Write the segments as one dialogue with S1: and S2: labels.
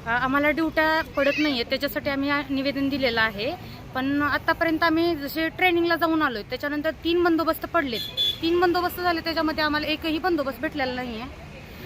S1: आम्हाला ड्युट्या पडत नाही आहे, त्याच्यासाठी आम्ही निवेदन दिलेलं आहे. पण आत्तापर्यंत आम्ही जसे ट्रेनिंगला जाऊन आलो आहे, त्याच्यानंतर 3 बंदोबस्त पडलेत. 3 बंदोबस्त झाले, त्याच्यामध्ये आम्हाला एकही बंदोबस्त भेटलेला नाही आहे.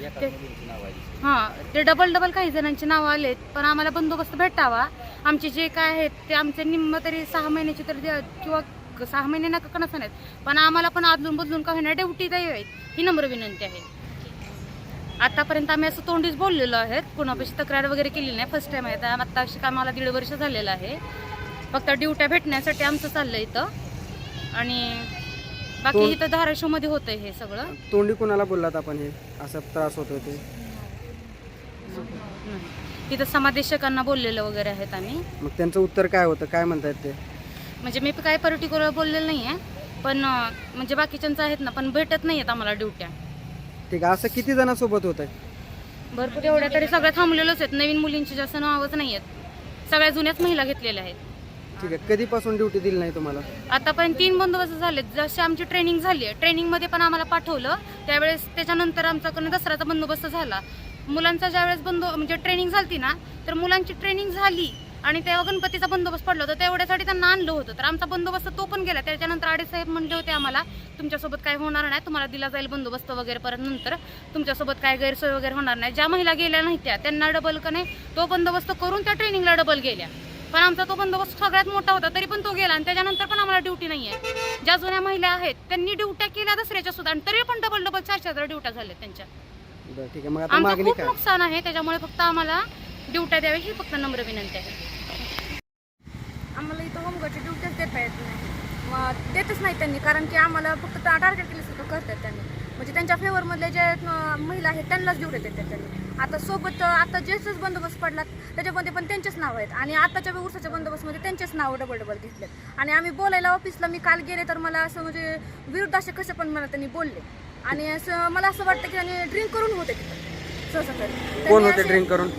S1: ते डबल काही जणांची नावं आलेत, पण आम्हाला बंदोबस्त भेटावा. आमचे जे काय आहेत ते आमचे निम्म तरी 6 महिन्याची तर किंवा 6 महिने नका नसं नाहीत, पण आम्हाला पण अदलून बदलून काही नाही ड्युटी द्यावी ही नम्र विनंती आहे. आतापर्यंत आम्ही असं तोंडीच बोललेलो आहे, कुणापाशी तक्रार वगैरे केलेली नाही. फर्स्ट टाइम आहे. आत्ता आम्हाला 1.5 वर्ष झालेलं आहे. फक्त ड्युट्या भेटण्यासाठी आमचं चाललंय इथं, आणि बाकी इथं धाराशिवमध्ये होतंय हे सगळं.
S2: तोंडी कुणाला बोललात आपण हे असं त्रास होतोय ते?
S1: तिथं समादेशकांना बोललेलं वगैरे आहेत आम्ही.
S2: मग त्यांचं उत्तर काय होतं, काय म्हणतायत ते?
S1: म्हणजे मी काय पर्टिक्युलर बोललेलं नाही आहे, पण म्हणजे बाकीच्यांचं आहेत ना, पण भेटत नाही आहेत आम्हाला ड्युट्या.
S2: ठीक आहे. असं किती जणांसोबत होत आहे?
S1: भरपूर, एवढ्या तरी सगळ्या थांबलेलोच आहेत. नवीन मुलींची जास्त नावच नाही आहेत, सगळ्या जुन्याच महिला घेतलेल्या आहेत.
S2: ठीक आहे. कधीपासून ड्युटी दिली नाही तुम्हाला?
S1: आतापर्यंत 3 बंदोबस्त झालेत. जशी आमची ट्रेनिंग झाली आहे, ट्रेनिंगमध्ये पण आम्हाला पाठवलं त्यावेळेस. त्याच्यानंतर आमच्याकडून दसऱ्याचा बंदोबस्त झाला. मुलांचा ज्यावेळेस म्हणजे ट्रेनिंग झाली ना, तर मुलांची ट्रेनिंग झाली आणि तेव्हा गणपतीचा बंदोबस्त पडला होता, तेवढ्यासाठी त्यांना आणलं होतं. तर आमचा बंदोबस्त तो पण गेला. त्याच्यानंतर आडे साहेब म्हणले होते आम्हाला, तुमच्यासोबत काय होणार नाही, तुम्हाला दिला जाईल बंदोबस्त वगैरे. परत नंतर तुमच्यासोबत काय गैरसोय वगैरे होणार नाही. ज्या महिला गेल्या नाही त्यांना डबल का नाही तो बंदोबस्त करून त्या ट्रेनिंगला डबल गेल्या. पण आमचा तो बंदोबस्त सगळ्यात मोठा होता, तरी पण तो गेला. आणि त्याच्यानंतर पण आम्हाला ड्युटी नाही आहे. ज्या जुन्या महिला आहेत त्यांनी ड्युट्या केल्या दसऱ्याच्या सुद्धा, आणि तरी पण डबल 4-4 ड्युट्या झाल्या त्यांच्या.
S2: ठीक आहे. मग आता मागणी
S1: खूप
S2: काय?
S1: नुकसान आहे, त्याच्यामुळे फक्त आम्हाला ड्युट्या द्यावी ही फक्त नम्र विनंती आहे.
S3: आम्हाला इथं होमगार्डची ड्युटीच देता येत नाही, मग देतच नाही त्यांनी, कारण की आम्हाला फक्त टार्गेट केल्यासारखं करतात त्यांनी. म्हणजे त्यांच्या फेवरमधले जे महिला आहेत त्यांनाच ड्युटी देतात त्यांनी. आता सोबत आता जेच बंदोबस्त पडलात त्याच्यामध्ये पण त्यांचेच नाव आहेत, आणि आताच्या उरसाच्या बंदोबस्तमध्ये त्यांचेच नाव डबल घेतलेत. आणि आम्ही बोलायला ऑफिसला मी काल गेले तर मला असं म्हणजे विरुद्ध असे कसे पण मला त्यांनी बोलले. आणि असं मला असं वाटतं की त्यांनी ड्रिंक करून होते तिथं सहसा.
S2: कोण होते ड्रिंक करून?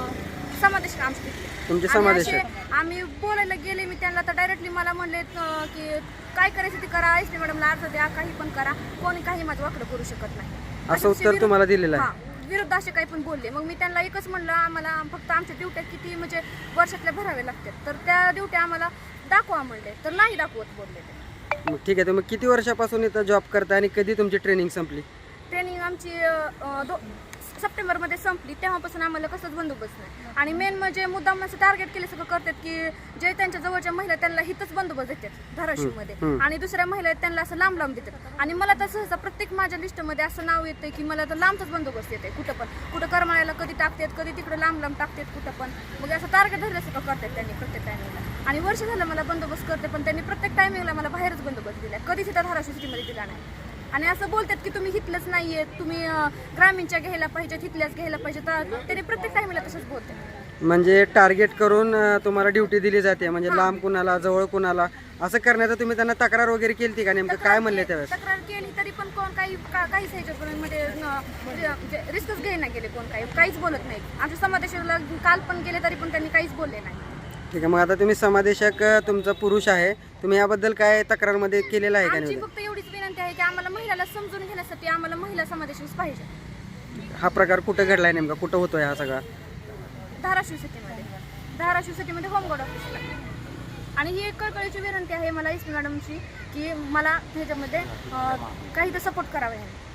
S3: समादेश आमचे
S2: तुमचे समादेश?
S3: आम्ही बोलायला गेले मी त्यांना, तर डायरेक्टली मला म्हणले की काय करायचं ते करा, एस टी मॅडमला अर्ज द्या, काही पण करा, कोणी काही माझं वाकडं करू शकत नाही,
S2: असं उत्तर तुम्हाला दिलेलं आहे?
S3: विरुद्ध असे काही पण बोलले. मग मी त्यांना एकच म्हणलं, आम्हाला फक्त आमच्या ड्युट्या किती म्हणजे वर्षातल्या भरावे लागतात, तर त्या ड्युट्या आम्हाला दाखवा म्हणले, तर नाही दाखवत बोलले ते.
S2: मग ठीक आहे. तुम्ही किती वर्षापासून इथं जॉब करता आणि कधी तुमची ट्रेनिंग संपली?
S3: ट्रेनिंग आमची सप्टेंबरमध्ये संपली, तेव्हापासून आम्हाला कसंच बंदोबस्त नाही. आणि मेन म्हणजे मुद्दाम असं टार्गेट केले सगळं करतात की जे त्यांच्या जवळच्या महिला त्यांना हिथंच बंदोबस्त देतात धाराशिवमध्ये, आणि दुसऱ्या महिला आहेत त्यांना असं लांब लांब देतात. आणि मला तर सहसा प्रत्येक माझ्या लिस्टमध्ये असं नाव येतं की मला तर लांबचाच बंदोबस्त येते. कुठं करमाळ्याला कधी टाकतात, कधी तिकडे लांब लांब टाकतात, कुठं पण. मग असं टार्गेट धरल्यासारखं करतात त्यांनी प्रत्येक टायमिंगला. आणि वर्ष झालं मला बंदोबस्त करते, पण त्यांनी प्रत्येक टायमिंगला मला बाहेरच बंदोबस्त दिला, कधीच इथं धाराशिव सिटीमध्ये दिला नाही. आणि असं बोलतात की तुम्ही हिथलंच नाहीये, तुम्ही ग्रामीणच्या घ्यायला पाहिजेत, हिथल्याच घ्यायला पाहिजे, तर त्यांनी प्रत्येक टायमिंगला तसंच बोलतात.
S2: म्हणजे टार्गेट करून तुम्हाला ड्युटी दिली जाते, म्हणजे लांब कुणाला जवळ कुणाला असं करण्याचं तुम्ही त्यांना तक्रार वगैरे केली का? नेमकं काय म्हणले त्यावेळेस?
S3: तक्रार केली तरी पण कोण काहीच ह्याच्यापर्यंत म्हणजे रिस्कच घ्यायला गेले, कोण काहीच बोलत नाही. आमच्या समादेशाला काल पण गेले तरी पण त्यांनी काहीच बोलले नाही.
S2: ठीक आहे. मग आता तुम्ही समादेशक तुमचा पुरुष आहे, तुम्ही याबद्दल काय तक्रारमध्ये केलेलं आहे का?
S3: आमची फक्त एवढीच विनंती आहे की आम्हाला महिलाला समजून घेण्यासाठी आम्हाला महिला समादेशच पाहिजे.
S2: हा प्रकार कुठं घडलाय, नेमका कुठं होतोय हा सगळा?
S3: धाराशिव सिटीमध्ये होमगार्ड ऑफिसला. आणि ही एक कळकळीची विनंती आहे मला एस पी मॅडमची की मला ह्याच्यामध्ये काही तर सपोर्ट करावा.